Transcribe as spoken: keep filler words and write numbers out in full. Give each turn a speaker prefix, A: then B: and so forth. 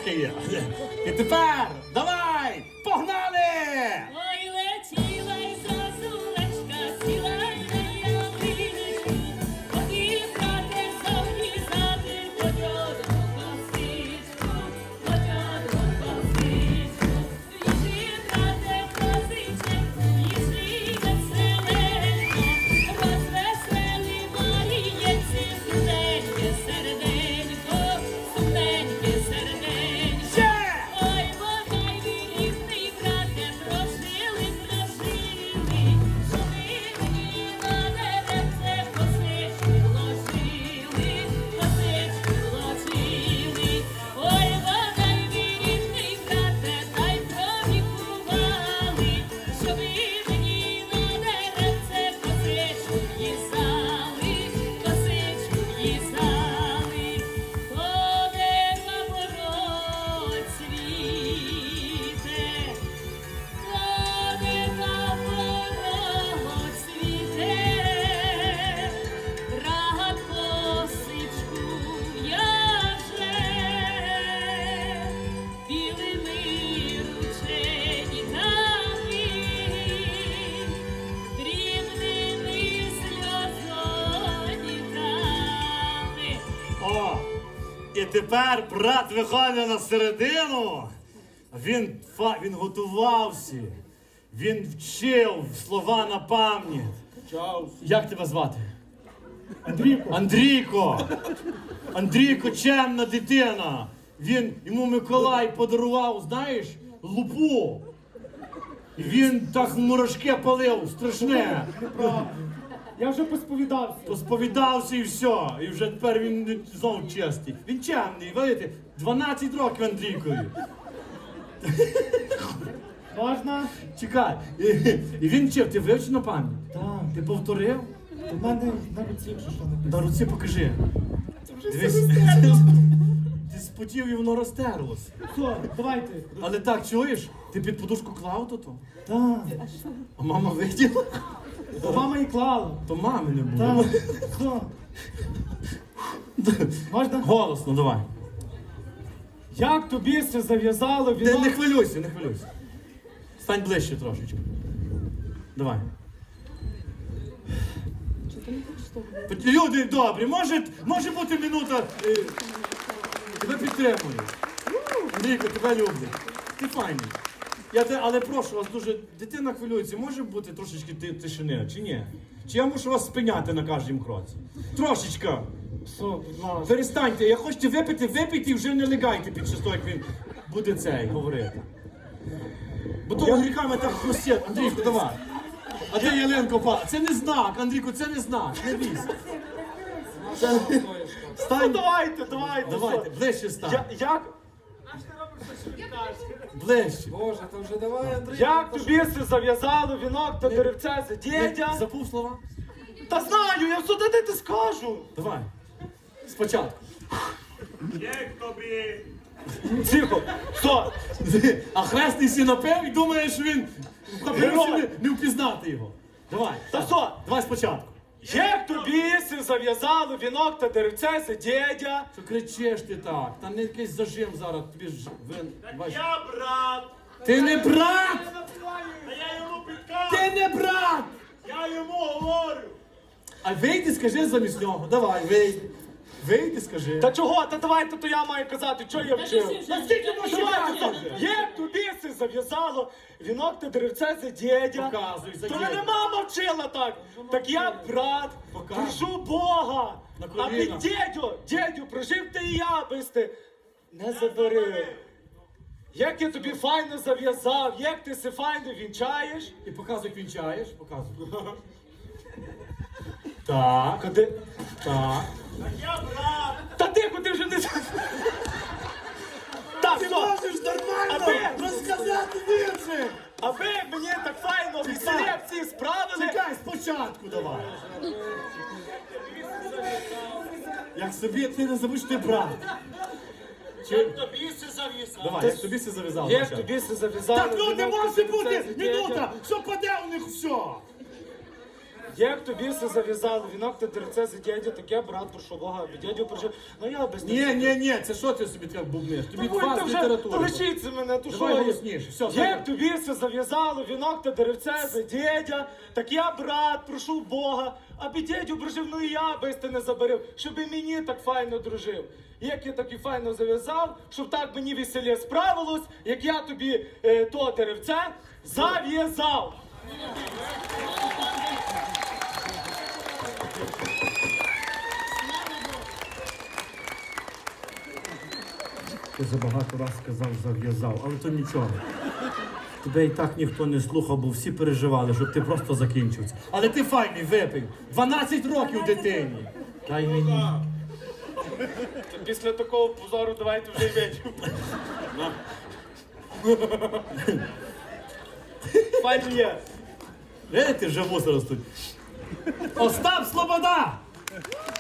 A: трошки є. І тепер, давай, погнали!
B: Ой, летіла й зозулечка, сіла й на ялиночку, обіграти зав'язати подьодну косичку, подьодну косичку. Зібрати косичку, їжі веселенько, розвесели Марієці сумненьке серденько, сумненьке серденько.
A: Ще!
B: Ой, бодай вірний брате, прожили, прожили, що ви мені на деревце косичку вложили, косичку вложили. Ой, бодай вірний брате, дай провікували, що ви мені на деревце косичку в'їзали, косичку в'їзали. Коли наоборот світе, коли наоборот світе, брат косичку в'яже, білими рученьками, дрібними сльозониками.
A: О, і тепер брат виходить на середину. Він, фа- він готувався. Він вчив слова на пам'ять. Як тебе звати?
C: Андрійко,
A: Андрійко! Андрійко, чемна дитина. Він, йому Миколай подарував, знаєш, лупу. І він так мурашки палив, страшне.
C: я вже посповідався.
A: Посповідався і все. І вже тепер він знову чистий. Він чемний, видите, дванадцять років Андрійкові.
C: Можна?
A: Чекай. І, і він вчив, ти вивчив на пам'ять?
C: Так.
A: Ти повторив?
C: У мене на руці вже що написано.
A: На руці покажи. Дивись. Ти спотів і воно розтерлося.
C: Все, давайте.
A: Але так, чуєш? Ти під подушку клав то?
C: Так.
A: А мама виділа?
C: То мама і клала.
A: То мами не було.
C: Так. Все. Можна?
A: Голосно, давай.
C: Як тобі все зав'язало
A: Не,
C: віно?
A: не хвилюйся, не хвилюйся. Стань ближче трошечки. Давай. Люди добрі, може, може бути минута. е, Тебе підтримую. Андрійко, тебе люблю. Ти файний. Я те, але прошу вас дуже, дитина хвилюється, може бути трошечки ти- тишини, чи ні? Чи я мушу вас спиняти на кожному кроці? Трошечка.
C: Все, будь ласка.
A: Перестаньте, я хочете випити, випийте і вже не лягайте під шестой, як він буде цей говорити. Бо того гріхами так хрустять. Андрійко, давай. А де Яленко па? Це не знак, Андрійко, це не знак, не бійся. Це-
C: Ну
A: Стань,
C: давайте, давайте.
A: давайте,
C: все.
A: ближче стань.
C: Я, як,
A: Ближче.
D: Боже, то вже давай, Андрій.
C: як тобі все зав'язало вінок та деревце за дідя?
A: Забув слова?
C: Та знаю, я все де ти скажу.
A: Давай. Спочатку.
E: Як тобі?
C: Тихо. Все.
A: А хресний сі напев і думає, що він
C: Герой.
A: не, не впізнати його. Давай.
C: Та
A: так.
C: що?
A: Давай спочатку.
C: Як тобі все зав'язало вінок та деревце за дідя?
A: Що кричиш ти так? Там не якийсь зажим зараз, тобі ж вин. бач.
E: Я брат!
A: Ти не брат!
E: Та я йому підказую!
A: Ти не брат!
E: Я йому говорю!
A: А вийди, скажи замість нього. Давай, вийди. Вийди, скажи.
C: Та чого? Та давайте то я маю казати, що я вчив.
A: Наскільки можна
C: Давайте,
A: брати?
C: як тобі все зав'язало вінок та деревце за дідя?
A: Показуй, за
C: То
A: дідя.
C: мене мама вчила так. Так я брат,
A: Показуй.
C: прошу Бога.
A: На
C: А
A: коліна.
C: під дідю, дідю, прожив ти і я, без ти не забери. Як я тобі файно зав'язав, як ти се файно вінчаєш?
A: І показуй, як вінчаєш. Показуй. Так,
C: Куди?
A: так.
E: Я брат!
C: Та тихо, ти вже не... Так,
A: Ти
C: все.
A: можеш нормально
C: Аби-
A: розказати віршик.
C: Аби мені так файно веселі всі справили.
A: Чекай, спочатку давай. Як собі, ти не забудь, що ти брат. Чи...
E: Тобі все завісав!
A: Давай, як тобі все зав'язав.
C: Як
A: спочатку.
C: тобі все зав'язало?
A: Так, люди,
C: вінок та
A: може
C: деревце
A: бути
C: за дідя?
A: минута, що паде у них все.
C: Як тобі все зав'язали, вінок та деревце за дядю, таке, брат, прошу Бога, аби дядю прожив. Ну я без
A: Ні, ні, ні, це що ти собі так бубниш? Тобі два
C: Будьте
A: з
C: вже,
A: літератури.
C: лишіться мене, то
A: Давай
C: що?
A: голосніше, все,
C: Як
A: все.
C: тобі все зав'язало, вінок та деревце за дядя, так я, брат, прошу Бога, аби дядю прожив, ну і я без ти не заберив, щоб і мені так файно дружив. Як я так і файно зав'язав, щоб так мені веселє справилось, як я тобі е, то деревце зав'язав.
A: Ти забагато раз сказав, зав'язав, але то нічого. Тебе і так ніхто не слухав, бо всі переживали, щоб ти просто закінчився. Але ти файний випив. дванадцять років дитині. Дай мені.
C: Після такого позору давайте вже й вечір. Файно є.
A: Видите, вже вуса ростуть. Остап Слобода!